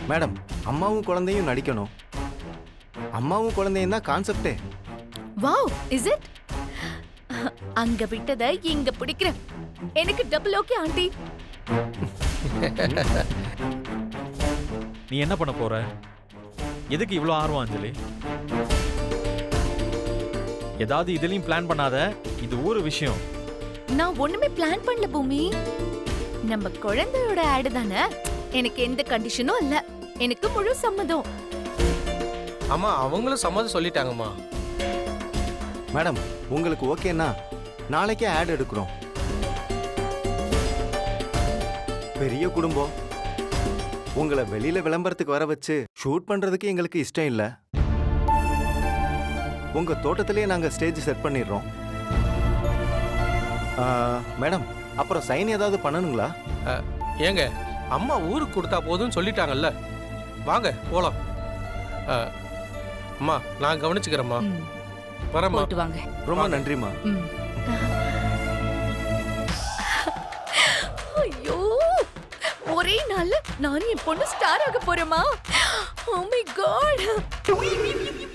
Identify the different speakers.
Speaker 1: Madam, அம்மாவும் குழந்தையும் நடிக்கணும். அம்மாவும் குழந்தையும் தான் கான்செப்டே.
Speaker 2: Wow, is it? அங்க விட்டத இங்க பிடிக்கிறேன். எனக்கு டபுள் ஓகே ஆண்டி.
Speaker 3: நீ என்ன பண்ண போற? எதுக்கு இவ்வளோ ஆர்வம் அஞ்சலி? ஏதாவது இதுலயும் பிளான் பண்ணாத. இது ஒரு விஷயம்.
Speaker 2: நான் ஒண்ணுமே பிளான் பண்ணல பூமி. நம்ம குழந்தையோட ஆடு தானே. எனக்கு எந்த கண்டிஷனும் இல்ல. எனக்கு முழு சம்மதம்.
Speaker 4: அம்மா அவங்களும் சம்மதம் சொல்லிட்டாங்கம்மா.
Speaker 1: மேடம், உங்களுக்கு ஓகேன்னா நாளைக்கே ஆட் எடுக்கிறோம். பெரிய குடும்பம். உங்களை வெளியில விளம்பரத்துக்கு வர வச்சு ஷூட் பண்றதுக்கு எங்களுக்கு இஷ்டம் இல்ல. உங்க தோட்டத்திலேயே நாங்க ஸ்டேஜ் செட் பண்ணிடுறோம். மேடம், அப்புறம் சைன் ஏதாவது பண்ணணுங்களா?
Speaker 4: ஏங்க, அம்மா ஊருக்கு கொடுத்தா போதும்னு சொல்லிட்டாங்கல்ல. வாங்க போலாம். அம்மா நான் கவனிச்சுக்கிறேம்மா. வரேம்மா.
Speaker 2: போயிட்டு வாங்க.
Speaker 1: ரொம்ப நன்றிம்மா.
Speaker 2: ஐயோ, ஒரே நாள்ல நானும் என் பொண்ணு ஸ்டார் ஆக போறேமா. Oh my God.